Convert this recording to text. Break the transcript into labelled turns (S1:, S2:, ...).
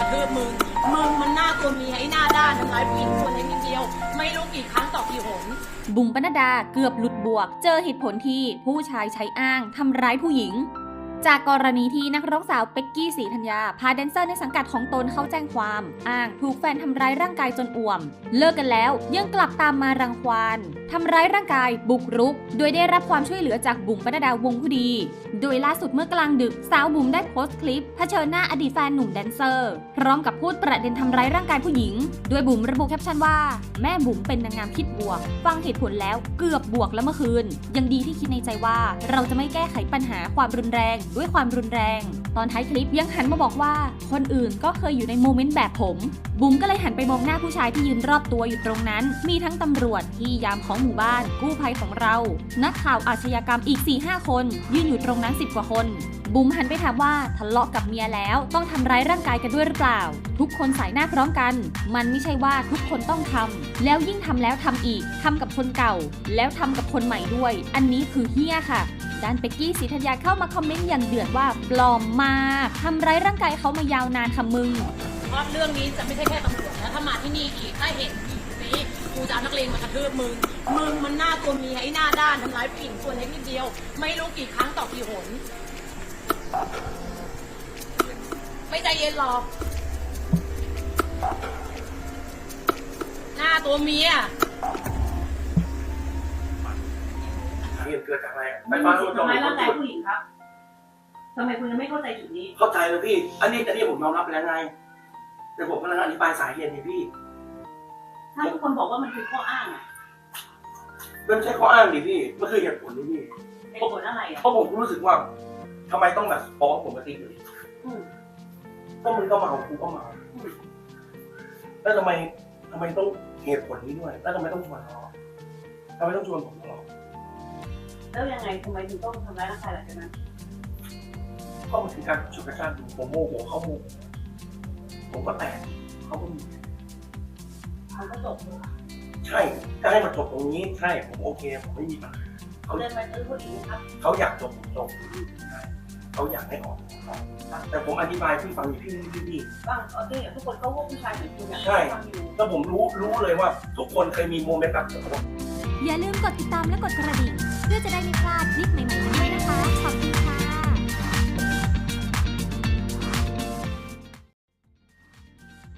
S1: ระทืบมึงมันหน้าตัวเมียไอ้หน้าด้านทำร้ายผู้หญิงคนเล็กนิดเดียวไม่รู้กี่ครั้งต่อกี่หน
S2: บุ๋มปนัดดาเกือบหลุดบวกเจอเหตุผลที่ผู้ชายใช้อ้างทำร้ายผู้หญิงจากกรณีที่นักร้องสาวเป็กกี้ศรีธัญญาพาแดนเซอร์ในสังกัดของตนเข้าแจ้งความอ้างถูกแฟนทำร้ายร่างกายจนอ่วมเลิกกันแล้วยังกลับตามมารังควานทำร้ายร่างกายบุกรุกโดยได้รับความช่วยเหลือจากบุ๋มปนัดดาวงผู้ดีโดยล่าสุดเมื่อกลางดึกสาวบุ๋มได้โพสต์คลิปเผชิญหน้าอดีตแฟนหนุ่มแดนเซอร์พร้อมกับพูดประเด็นทำร้ายร่างกายผู้หญิงโดยบุ๋มระบุแคปชั่นว่าแม่บุ๋มเป็นนางงามคิดบวกฟังเหตุผลแล้วเกือบบวกแล้วเมื่อคืนยังดีที่คิดในใจว่าเราจะไม่แก้ไขปัญหาความรุนแรงด้วยความรุนแรงตอนท้ายคลิปยังหันมาบอกว่าคนอื่นก็เคยอยู่ในโมเมนต์แบบผมบุ๋มก็เลยหันไปมองหน้าผู้ชายที่ยืนรอบตัวอยู่ตรงนั้นมีทั้งตำรวจที่ยามของหมู่บ้านกู้ภัยของเรานักข่าวอาชญากรรมอีก 4-5 คนยืนอยู่ตรงนั้น10 กว่าคนบุ๋มหันไปถามว่าทะเลาะกับเมียแล้วต้องทำร้ายร่างกายกันด้วยหรือเปล่าทุกคนสายหน้าพร้อมกันมันไม่ใช่ว่าทุกคนต้องทำแล้วยิ่งทำแล้วทำอีกทำกับคนเก่าแล้วทำกับคนใหม่ด้วยอันนี้คือเหี้ยค่ะด้านเป็กกี้ศรีธัญญาเข้ามาคอมเมนต์อย่างเดือดว่าปลอมมากทำร้ายร่างกายเขามายาวนานค่ะมึง
S1: เพราะเรื่องนี้จะไม่ใช่แค่ตำรวจนะถ้ามาที่นี่อีกถ้าเห็นอีกนี้กูจะเอานักเลงมากระทืบมึงมันหน้าตัวเมียไอ้หน้าด้านทำร้ายผู้หญิงคนเล็กนิดเดียวไม่รู้กี่ครั้งต่อกี่หนไม่ใจเย็นหรอกหน้าตัวเมีย
S3: เหตุเกิดจากอะไร
S4: ไปฟังทำไมร่างกายผู้หญิงครับทำไมคุณยังไม่เข้าใจจุดนี้
S3: เข้าใจเลยพี่อันนี้ผมยอมรับไปแล้วไงแต่ผมกำลังอธิบายสาเหตุนี่พี่
S4: ถ้าทุกคนบอกว่ามันคือข้ออ้างอ่ะ
S3: ไม่ใช่ข้ออ้างดิพี่มันคือเหตุผลนี่พี่
S4: เหตุผลอะไรอ่ะ
S3: เพราะผมรู้สึกว่าทำไมต้องแบบฟ้องผมมาตีเลยก็มึงก็เมากูก็เมาแล้วทำไมต้องเหตุผลนี้ด้วยแล้วทำไมต้องชวนเราทำไมต้องชวนผมตลอด
S4: แล้วยังไงทำไมถึงต้องทำร้ายร่างกายหลังจากนั้น
S3: ก็มันถึงการฉุดกระชากผมโมโหเขาโมโหผมก็แตกเขาก็มี
S4: มันก็จบ
S3: ใช่ถ้าให้มันจบตรงนี้ใช่ผมโอเคผมไม่มีปัญหา
S4: เขาเดินไปซื้อผู้หญิงครับ
S3: เขาอยากจบเขาอยากให้ออกแต่ผมอธิบายพี่ฟังอยู่พี่
S4: บ้างโอเคทุกคนก็ว่าผู้ชายเหมือนคุณ
S3: ใช่แล้วผมรู้เลยว่าทุกคนเคยมีโมเมนต์แบบนี้
S2: อย่าลืมกดติดตามและกดกระดิ่งเพื่อจะได้ไม่พลาดคลิปใหม่ๆกันด้วยนะคะขอบคุณ